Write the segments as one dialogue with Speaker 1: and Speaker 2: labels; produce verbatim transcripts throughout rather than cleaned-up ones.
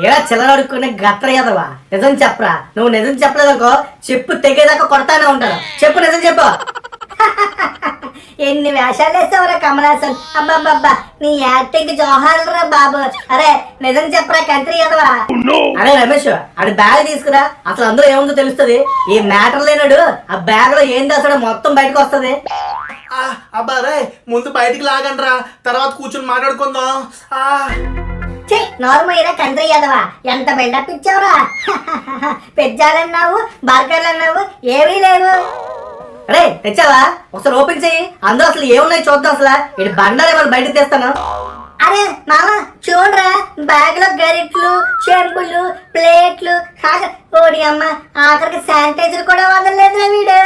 Speaker 1: ఏడా చిల్లర అడుక్కునే గత్ర ఎదవా, నిజం చెప్పరా? నువ్వు నిజం చెప్పలేదనుకో చెప్పు తెగేదాకా కొడతానే ఉంటాను. చెప్పు, నిజం చెప్పు. ఎన్ని వేషాలు వేసావురా కమలాసన్. అబ్బాబ్బా, నీ యాక్టింగ్ జోహార్రా బాబు. అరే నిజం చెప్పరా కంత్రి ఎదవా. అరే రమేష్, అది బ్యాగ్ తీసుకురా, అసలు అందులో ఏముందో తెలుస్తుంది. ఈ మ్యాటర్ లేనాడు ఆ బ్యాగ్ లో ఏం దాసాడో మొత్తం బయటకు వస్తుంది.
Speaker 2: అబ్బా రే, ముందు బయటికి లాగండి రా, తర్వాత కూర్చొని మాట్లాడుకుందాం.
Speaker 1: నార్మల్ కంట్రీ యాదవా, ఎంత బిల్డప్ ఇచ్చావురా. పెజ్జాలన్నావు, బర్గర్లు అన్నావు, ఏమీ లేవు. అరే తెచ్చావా? ఒకసారి ఓపెన్ చెయ్యి, అందులో అసలు ఏమున్నాయి చూద్దాం. అసలు ఇటు బండారు ఏమైనా బయటకు తెస్తాను. అరే మామ చూడరా, బ్యాగ్ లో గరిట్లు, చెంబులు, ప్లేట్లు, ఓడి అమ్మ ఆఖరికి శానిటైజర్ కూడా వదలలేదురా వీడు.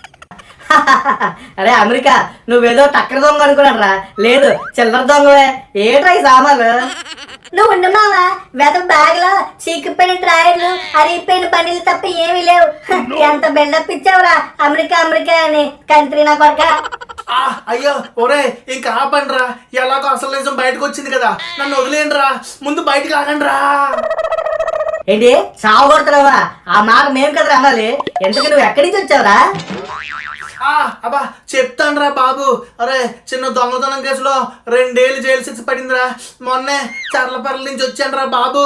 Speaker 1: అరే అమెరికా, నువ్వేదో టక్కర దొంగ అనుకున్నాడు రా. లేదు, చిల్లర దొంగవే. ఏట్రా ఈ సామాన్లు? నువ్వు ఉండు మావా, వెద బ్యాగ్ లో చీకిపోయిన డ్రాయర్లు, అరిగిపోయిన బండిలు తప్ప ఏమీ లేవు. ఎంత బిల్డప్ ఇచ్చావురా అమెరికా అమెరికా అని, కంట్రీ నా కొరక.
Speaker 2: అయ్యో ఒరే, ఇంకా ఆపండి రా, ఎలాగో అసలు నిజం బయటకు వచ్చింది కదా, నన్ను వదిలేండి రా, ముందు బయటకు లాగండి రా.
Speaker 1: ఏంటి సాగు కొడుతున్నావా? ఆ మాట మేము కదరా అనాలి. ఎందుకు నువ్వు ఎక్కడి నుంచి వచ్చావురా?
Speaker 2: అబ్బా చెప్తాను రా బాబు. అరే చిన్న దొంగతనం కేసులో రెండేళ్ళు జైలు శిక్ష పడిందిరా. మొన్నే చర్లపర్ల నుంచి వచ్చాను రా బాబు.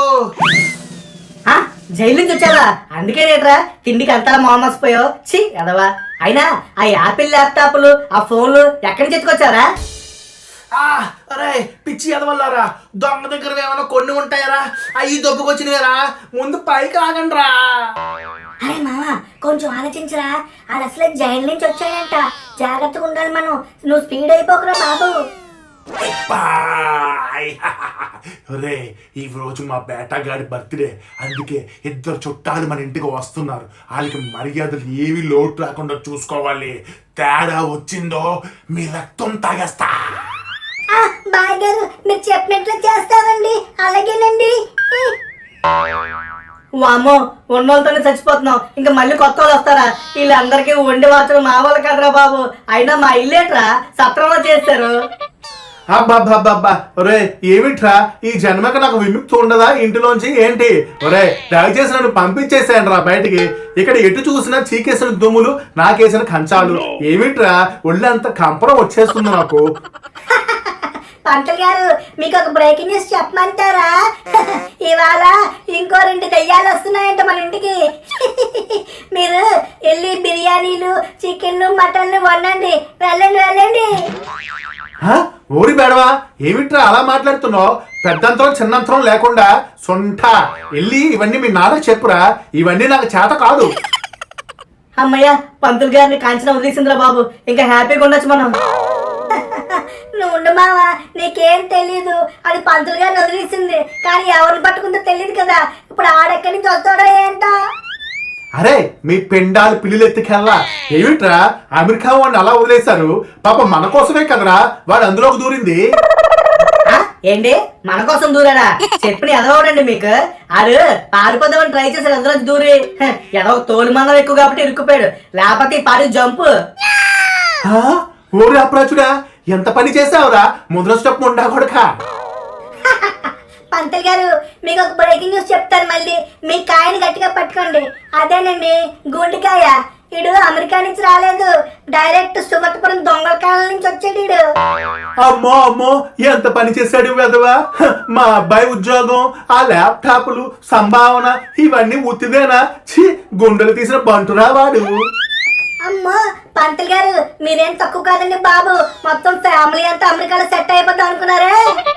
Speaker 1: జైలు నుంచి వచ్చావా? అందుకే రేట్రా తిండికి అంతా మోమసిపోయావు. ఛీ అదవా. అయినా ఆ యాపిల్ ల్యాప్టాప్లు, ఆ ఫోన్లు ఎక్కడి నుంచి ఎత్తుకొచ్చారా?
Speaker 2: అరే పిచ్చి ఎదవల్లారా, దొంగ దగ్గర ఏమైనా కొన్ని ఉంటాయరా? అవి దొబ్బుకొచ్చినవేరా, ముందు పైకి ఆగండి రా.
Speaker 1: అరే మామ కొంచెం ఆలోచించరా, అది అసలే జైలు నుంచి వచ్చాయంట, జాగ్రత్తగా ఉండాలి మనం. నువ్వు స్పీడ్ అయిపోకురా బాబు.
Speaker 3: రే ఈ రోజు మా బేటగాడి బర్త్డే, అందుకే ఇద్దరు చుట్టాలు మన ఇంటికి వస్తున్నారు. వాళ్ళకి మర్యాదలు ఏవి లోటు రాకుండా చూసుకోవాలి. తేడా వచ్చిందో మీ రక్తం తాగేస్తా.
Speaker 1: బాయ్ గారు, మీరు చెప్పినట్లు చేస్తామండి. అలాగేనండి. వామ్మో, ఉన్నోళ్ళతోనే చచ్చిపోతున్నాం, ఇంకా మళ్ళీ కొత్త వాళ్ళు వస్తారా? వీళ్ళందరికీ వండి మార్చడం మా వాళ్ళు కదరా బాబు. అయినా మా ఇల్లేట్రా సత్రంలో చేస్తారు.
Speaker 3: అబ్బాబ్బాబ్బా ఒరే, ఏమిట్రా ఈ జన్మకి నాకు విముక్తి ఉండదా ఇంటిలోంచి ఏంటి? ఒరే దయచేసి నన్ను పంపించేసాను రా బయటికి. ఇక్కడ ఎటు చూసినా చీకేసిన దుమ్ములు, నాకేసిన కంచాలు. ఏమిట్రా ఒళ్ళంత కంపరం వచ్చేస్తుంది నాకు.
Speaker 1: పంతులు గారు, మీకు ఒక బ్రేకింగ్ న్యూస్ చెప్పమంటారా? ఇవాళ ఇంకో రెండు దెయ్యాలు వస్తున్నాయంట మన ఇంటికి. మీరు వెళ్ళి బిర్యానీలు, చికెన్లు, మటన్లు వండండి. వెళ్ళండి వెళ్ళండి.
Speaker 3: ఊరి బేడవా, ఏమిట్రా అలా మాట్లాడుతున్నావు? పెద్దంతరం చిన్నంతరం లేకుండా సొంట వెళ్ళి ఇవన్నీ మీ నాన్నకు చెప్పురా. ఇవన్నీ నాకు చేత కాదు.
Speaker 1: అమ్మయ్య, పంతులు గారిని కాంచన వదిలేసిందిరా బాబు, ఇంకా హ్యాపీగా ఉండొచ్చు మనం. నువ్వు ఉండు మావా, నీకేం తెలీదు. అది పంతులు గారిని వదిలేసింది, కానీ ఎవరిని పట్టుకుందో తెలియదు కదా. ఇప్పుడు ఆడెక్కడి నుంచి వస్తాడో ఏంటో.
Speaker 3: అరే మీ పెండాలు పిల్లులు ఎత్తుకెళ్ళా. ఏమిట్రా అమెరికా వాడిని అలా వదిలేశారు? పాప మన కోసమే కదరా వాడు అందులోకి దూరింది.
Speaker 1: ఏంటి మన కోసం దూరాడా? చెప్పిన ఎదవడండి మీకు. ఆడు పారిపోదామని ట్రై చేశాడు, అందులో దూరి ఎదవ తోలు మందం ఎక్కువ కాబట్టి ఇరుక్కుపోయాడు. లేకపోతే పాడి జంపు.
Speaker 3: ఓరి అప్రాచుడా, ఎంత పని చేసావురా ముద్ర స్టెప్ ఉండా కొడక.
Speaker 1: పంతులు గారు, మీకు ఒక బ్రేకింగ్ న్యూస్ చెప్తాను. మళ్ళీ మీ కాయని గట్టిగా పట్టుకోండి. అదేనండి గుండెకాయ. ఇడు అమెరికా నుంచి రాలేదు, డైరెక్ట్ సుగతపురం దొంగల కాలం నుంచి వచ్చాడు ఇడు.
Speaker 3: అమ్మో అమ్మో, ఎంత పని చేశాడు వెధవా. మా అబ్బాయి ఉద్యోగం, ఆ ల్యాప్టాప్లు, సంభావన ఇవన్నీ ఉత్తిదేనా? ఛీ, గుండెలు తీసిన బంటురా వాడు.
Speaker 1: అమ్మో పంతులు గారు, మీరేం తక్కువ కాదండి బాబు. మొత్తం ఫ్యామిలీ అంతా అమెరికాలో సెట్ అయిపోతాం అనుకున్నారే.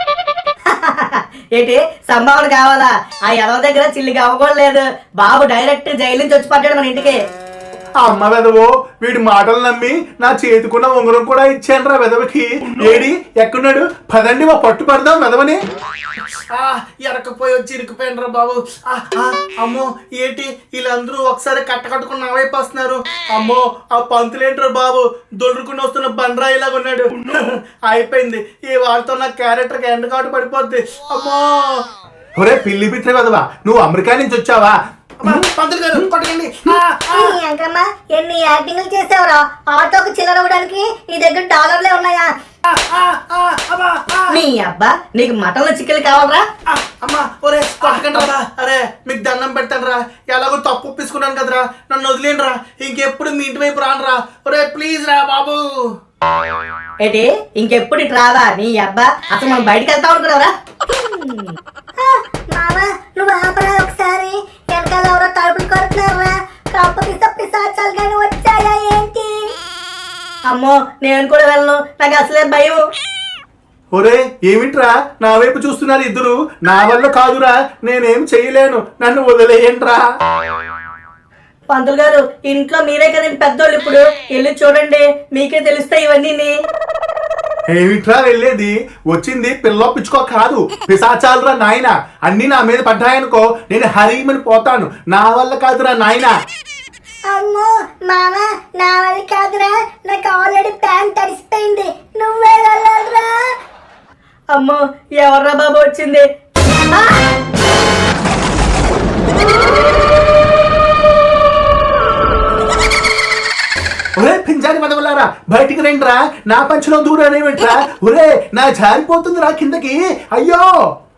Speaker 1: ఏంటి సంభావన కావాలా? ఆ ఎవరి దగ్గర చిల్లిగా అవ్వకూడలేదు. బాబు డైరెక్ట్ జైలు నుంచి వచ్చి పడ్డాడు మన ఇంటికి.
Speaker 3: అమ్మ వెదవో, వీడి మాటలు నమ్మి నా చేతికున్న ఉంగరం కూడా ఇచ్చాను రా వెదవకి. ఏడి ఎక్కడున్నాడు? పదండి మా పట్టు పడదాం వెదవని.
Speaker 2: ఎరకపోయి వచ్చి ఇరుకుపోయినరా బాబు. అమ్మో ఏంటి వీళ్ళందరూ ఒకసారి కట్టకట్టుకుని నా వైపు వస్తున్నారు. అమ్మో ఆ పంతులేంటారు బాబు, దొడుకుని వస్తున్న బండరాయిలాగా ఉన్నాడు. అయిపోయింది, ఈ వాళ్ళతో నా క్యారెక్టర్కి ఎండకాటు పడిపోద్ది. అమ్మో
Speaker 3: ఒరే పిల్లి పిత్ర వెదవా, నువ్వు అమెరికా నుంచి వచ్చావా?
Speaker 2: పంతులు గారు కొట్టండి.
Speaker 1: ఎన్ని యాక్టింగ్లు చేసావురా? ఆటోకి చిల్లర అవ్వడానికి నీ దగ్గర డాలర్లే ఉన్నాయా?
Speaker 2: ఆ, ఆ, ఆ, అబ్బా, ఆ.
Speaker 1: నీ అబ్బా నీకు మటన్లో చికెన్ కావాలరా?
Speaker 2: ఆ, అమ్మా ఒరే కొట్టకండి రా. అరే మీకు దండం పెడతాను రా, ఎలాగో తప్పు ఒప్పించుకున్నాను కదరా, నన్ను వదిలేను రా, ఇంకెప్పుడు మీ ఇంటి వైపు రాను రా. ఒరే ప్లీజ్ రా బాబు.
Speaker 1: ఏంటి ఇంకెప్పుడు ఇటు రావా? నీ అబ్బా అసలు మనం బయటకు వెళ్తా అనుకున్నావరా? మామా నువ్వు ఆపరా ఒకసారి, వెనకాల ఎవరో తలుపులు కొడుతున్నారా? కాకపోతే పిశాచాలు కానీ వచ్చాయా ఏంటి? అమ్మో నేను కూడా వెళ్ళను, నాకు అసలే భయం.
Speaker 3: ఒరే ఏమిట్రా నా వైపు చూస్తున్నారు ఇద్దరు? నా వల్ల కాదురా, నేనేం చేయలేను, నన్ను వదిలేయండిరా.
Speaker 1: పంతులు గారు ఇంట్లో మీరే కదండి పెద్దోళ్ళు, ఇప్పుడు వెళ్ళి చూడండి మీకే తెలుస్తాయి ఇవన్నీ.
Speaker 3: ఏమిట్రా వెళ్ళేది? వచ్చింది పిల్ల పిచ్చుకో కాదు, పిశాచాలురా నాయన. అన్ని నా మీద పడ్డాయనుకో నేను హరీమని పోతాను. నా వల్ల కాదురా నాయన.
Speaker 1: అమ్మో మామ నా వల్ల కాదురా, నాకు ఆల్రెడీ ప్యాంట్ తడిసిపోయింది, నువ్వే వెళ్ళాలిరా. అమ్మో ఎవర్రా బాబు వచ్చింది?
Speaker 3: ఒరే పింజారి మదవలారా బయటికి రండిరా, నా పంచులో దూరానేమిట్రా? ఒరే నా జారిపోతుందిరా కిందకి, అయ్యో.